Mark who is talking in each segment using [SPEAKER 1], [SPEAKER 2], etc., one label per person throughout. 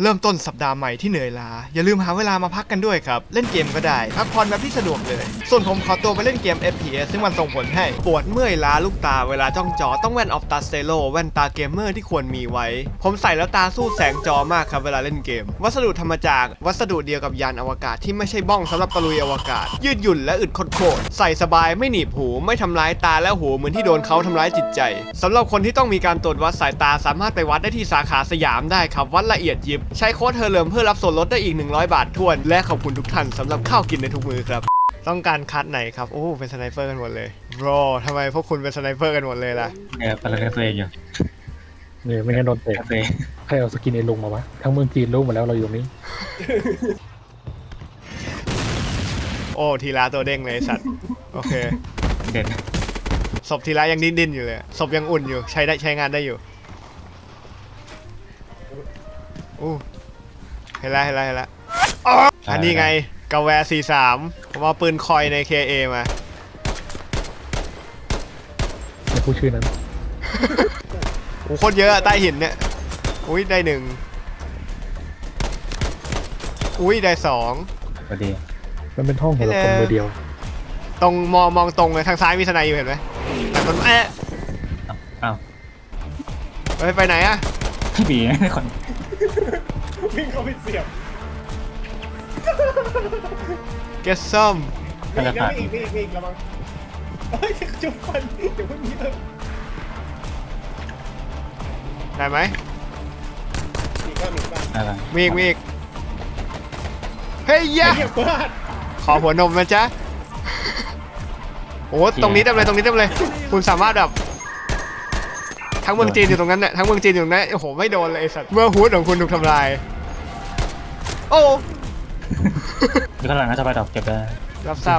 [SPEAKER 1] เริ่มต้นสัปดาห์ใหม่ที่เหนื่อยล้าอย่าลืมหาเวลามาพักกันด้วยครับเล่นเกมก็ได้พักผ่อนแบบที่สะดวกเลยส่วนผมขอตัวไปเล่นเกม FPS ซึ่งมันส่งผลให้ปวดเมื่อยล้าลูกตาเวลาจ้องจอต้องแว่นออฟตาสเตโลแว่นตาเกมเมอร์ที่ควรมีไว้ผมใส่แล้วตาสู้แสงจอมากครับเวลาเล่นเกมวัสดุทำมาจากวัสดุเดียวกับยานอวกาศที่ไม่ใช่บ้องสำหรับตะลุยอวกาศยืดหยุ่นและอึดโคตรใส่สบายไม่หนีบหูไม่ทำร้ายตาและหูเหมือนที่โดนเขาทำร้ายจิตใจสำหรับคนที่ต้องมีการตรวจวัดสายตาสามารถไปวัดได้ที่สาขาสยามได้ครับวัดละเอียดยิบใช้โค้ดเฮอร์เลิมเพื่อรับส่วนลดได้อีก100 บาททวนและขอบคุณทุกท่านสำหรับข้าวกินในทุกมื้อครับต้องการคัดไหนครับโอ้เป็นสไนเปอร์กันหมดเลยบรอทำไมพวกคุณเป็นสไนเปอร์กันหมดเลยล่ะ
[SPEAKER 2] เนี่ยปลาเตัวเองอยู่
[SPEAKER 3] เนี่ยไม่งั้นโดนเตะใครเอาสกินไอ้ลุงมาวะทั้งเมืองจีนรู้หมดแล้วเราอยู่นี้
[SPEAKER 1] โอ้ทีละตัวเด้งเลยสัตว์โอเค
[SPEAKER 2] เด่น
[SPEAKER 1] ศพทีละยังดิ้นอยู่เลยศพยังอุ่นอยู่ใช้งานได้อยู่อู้เห็นแล้วอันนี้ไงกาแวร์43ผมเอาปืนคอยใน KA มา
[SPEAKER 3] ไม่พูดชื่อนั้น
[SPEAKER 1] โอ้โคตรเยอะใต้หินเนี่ยอุ้ยได้1อุ้ยได้2
[SPEAKER 2] พอดี
[SPEAKER 3] มันเป็นห้องของเราคนเดียว
[SPEAKER 1] ตรงมองตรงเลยทางซ้ายมีสไนอยู่เห็นไหมแต่มัน
[SPEAKER 2] อ้าว
[SPEAKER 1] ไปไหนอะ
[SPEAKER 2] พี่บีคน
[SPEAKER 4] วิ่งเข้าไปเสียบ
[SPEAKER 1] เกสซัม
[SPEAKER 4] มีอีกแล้วมั้งเฮ้ยจุ๊บฟันเดี๋ยวพวกนี้เลย
[SPEAKER 1] ได้ไหม
[SPEAKER 4] มี
[SPEAKER 1] อีกเฮ้ยยะขอหัวนมนะจ๊ะโอ้ตรงนี้เต็มเลยคุณสามารถแบบทั้งเมืองจีนอยู่ตรงนั้นเนี่ยทั้งเมืองจีนอยู่ตรงนั้นโอ้โหไม่โดนเลยไอ้สัตว์เมื่อฮูดของคุณถูกทำลายโอ้
[SPEAKER 2] มีข้างหลังน่าจะไปดอกเก็บได้
[SPEAKER 1] รับทราบ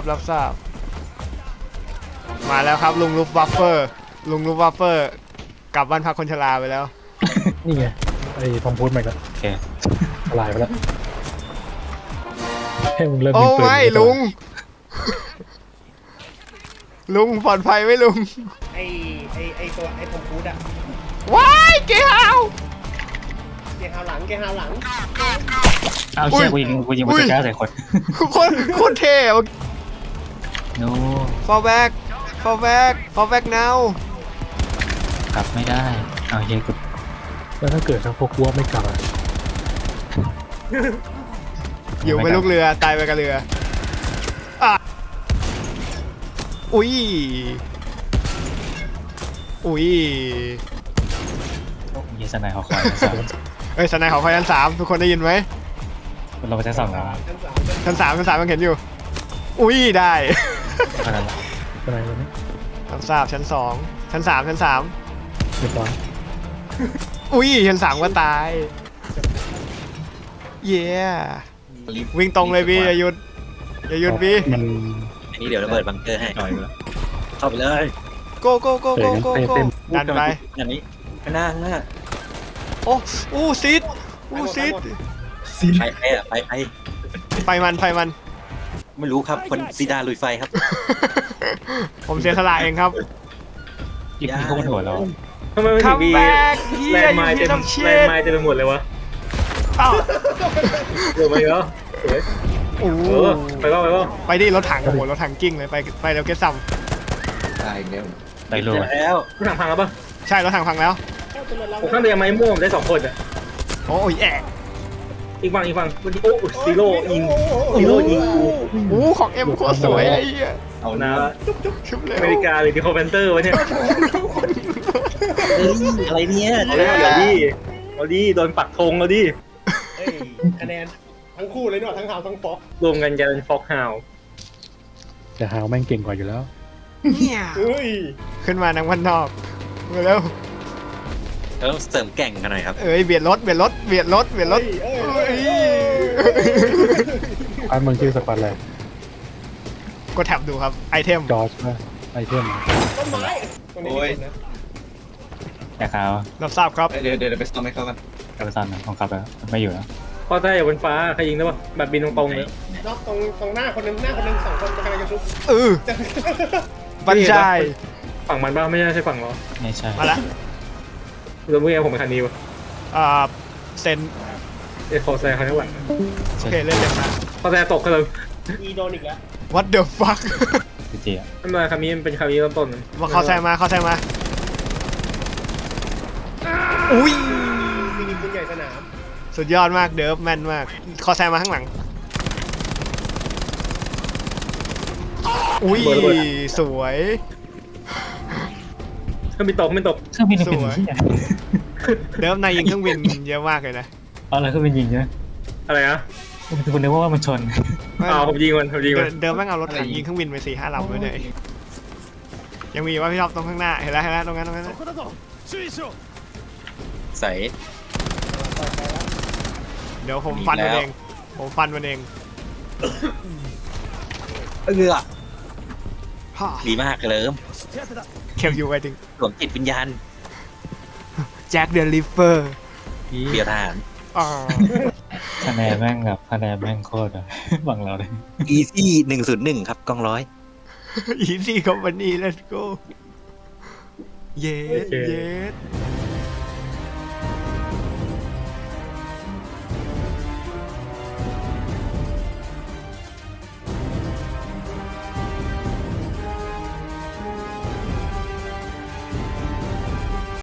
[SPEAKER 1] มาแล้วครับลุงลูฟวัฟเฟอร์กลับบ้านพักคนชราไปแล้ว
[SPEAKER 3] นี่ไงไอ้ทอมพูดใหม่กัน
[SPEAKER 2] โอเค
[SPEAKER 3] ลายไปแล้วให้มึงเริ่ม
[SPEAKER 1] โอ้ไม่ลุงปลอดภัยไหมลุง
[SPEAKER 4] ไอ้ตัวไอ้ทอมพูดอะ
[SPEAKER 1] ว้ายเกฮาว
[SPEAKER 4] หลัง
[SPEAKER 2] เอาเชี่ยกูยิงมันจะกล้าใส่คน
[SPEAKER 1] โคตรเท่
[SPEAKER 2] โน้
[SPEAKER 1] fall back now
[SPEAKER 2] กลับไม่ได้เอาเชี่ยกู
[SPEAKER 3] แล้วถ้าเกิดทางพวกวัวไม่กลับ
[SPEAKER 1] อยู่ไม่ลูกเรือตายไปกับเรืออุ้ย
[SPEAKER 2] ยิงสไนเขาคอย
[SPEAKER 1] สไนของไฟชั้น3ทุกคนได้ยินไหม
[SPEAKER 2] เราไปชั้น2แล้ว
[SPEAKER 1] ชั้น3มันเห็นอยู่อุ้ยได้
[SPEAKER 3] อะไรวะเนี่ย
[SPEAKER 1] ชั้น3ชั้น3
[SPEAKER 3] เรียบร้อย
[SPEAKER 1] อุ้ยชั้น3ก็ตายเย้วิ่งตรงเลยพี่อย่าหยุดพี่
[SPEAKER 5] อันนี้เดี๋ยวระเบิดบังเกอร์ให้เข้าไปเลย
[SPEAKER 1] โกดันไป
[SPEAKER 5] อย่างนี้หน้า
[SPEAKER 1] โอ้ซีด
[SPEAKER 5] ไฟ
[SPEAKER 1] มัน
[SPEAKER 5] ไม่รู้ครับคนซีดาลุยไฟครับ
[SPEAKER 1] ผมเสียสละเองครับ
[SPEAKER 2] ยิงเข้าหัวเรา
[SPEAKER 4] ทำไมไม่ถึงมีแลนด์ไมล์เต็มไปหมดเลยวะเดี๋ยวไปเหรอไป
[SPEAKER 1] ดิรถถังรถถังกิ้งเลยไปแล้วเกซัม
[SPEAKER 5] ตายแล้ว
[SPEAKER 2] ไปเลย
[SPEAKER 4] แล้วรถถังพังแล้วปะ
[SPEAKER 1] ใช่รถถังพังแล้ว
[SPEAKER 4] ผมข้างเรือไม้ม่วงได้2 คนอ่ะ
[SPEAKER 1] โอ้ย
[SPEAKER 4] อีกฝั่งโอ้ซีโร่ยิง
[SPEAKER 1] กูของเอ็มโคตรสวยไอ้เหี้ย
[SPEAKER 4] เอานะชุบเลยอเมริกาเลยดิโคเวนเตอร์วะเนี่ย
[SPEAKER 5] อะไรเนี่ย
[SPEAKER 4] เอาดิโดนปักธงเอาดิคะแนนทั้งคู่เลยเนาะทั้งฮาวทั้งฟ็อกรวมกันจะเป็นฟ็อกฮาว
[SPEAKER 3] แต่ฮาวแม่งเก่งกว่าอยู่แล้ว
[SPEAKER 1] ขึ้นมานังวันนอกมาแล้ว
[SPEAKER 5] ต้องเสริมแก่งกันหน่อยครับ
[SPEAKER 1] เบียดรถ
[SPEAKER 3] อันมึงชื่อสปันอะไร
[SPEAKER 1] ก็แท็บดูครับไอเทม
[SPEAKER 3] จอร์จไอเทม
[SPEAKER 4] ต้นไม้
[SPEAKER 5] โอ้ย
[SPEAKER 2] แต่เขา
[SPEAKER 1] รับทราบครับ
[SPEAKER 5] เดี๋ยวไปซ้อมให้เขากัน
[SPEAKER 2] ไปซ้อมของเขาแล้วไม่อยู่แล้ว
[SPEAKER 4] พอใต้บนฟ้าใครยิงได้ปะแบบบินตรงๆเลยนอกตรงหน้าคนนึง2 คนกำลังจะชุบ
[SPEAKER 1] บรรจัย
[SPEAKER 4] ฝั่งมันบ้างไม่ใช่ฝั่งเรา
[SPEAKER 2] ไม่ใช่
[SPEAKER 1] มาละ
[SPEAKER 4] เราเมื่อกี้ผมเป็นคันนี้วะ
[SPEAKER 1] เซน
[SPEAKER 4] ไอ้คอแซร์เขาทั้งหลัง
[SPEAKER 1] โอเคเล่นเลยนะ
[SPEAKER 4] คอแซร์ตกกันเลย
[SPEAKER 6] อีโดนอีกแล้ว
[SPEAKER 1] What the fuck
[SPEAKER 2] จริงอ่ะ
[SPEAKER 4] ทำไมคำนี้มันเป็นคำนี้ต้นๆ
[SPEAKER 1] มาคอแซงมาคอแซงมาอุ้ย
[SPEAKER 6] มีปืนใหญ่สนาม
[SPEAKER 1] สุดยอดมากเดิร์ฟแม่นมากคอแซงมาข้างหลังอุ้ยสวย
[SPEAKER 4] เครื่องบินตกไม่ตก
[SPEAKER 2] เครื่องบินเป็นที่ไหน
[SPEAKER 1] เดิร์ฟนายยิงเครื่องบินเยอะมากเลยนะ
[SPEAKER 2] เอาอะไรเครื่องบินยิงใช่ไหม
[SPEAKER 4] อะไรนะ
[SPEAKER 2] คุณนึกว่ามันชน
[SPEAKER 4] ผมยิงมัน
[SPEAKER 1] เดิร์ฟแม่งเอารถถังยิงเครื่องบินไป4-5 ลำด้วยเนี่ยยังมีว่าพี่ท็อปตรงข้างหน้าเห็นแล้วตรงนั้น
[SPEAKER 5] ใส่
[SPEAKER 1] เดี๋ยวผมฟันมันเองผมฟันมันเอง
[SPEAKER 5] เออ
[SPEAKER 1] ฮ่า
[SPEAKER 5] ดีมากเลย
[SPEAKER 1] เคลยูไปถึง
[SPEAKER 5] สวมจิตวิญญาณ
[SPEAKER 1] แจ็คเดลิเฟอร์
[SPEAKER 5] เบียร์ทหาร
[SPEAKER 1] อ๋อ
[SPEAKER 2] คะแนนแม่งแบบคะแนนแม่งโคตรอะบังเราเลย
[SPEAKER 5] Easy 101ครับกองร้อย
[SPEAKER 1] อีซี่คอมพานี let's go เย้เย้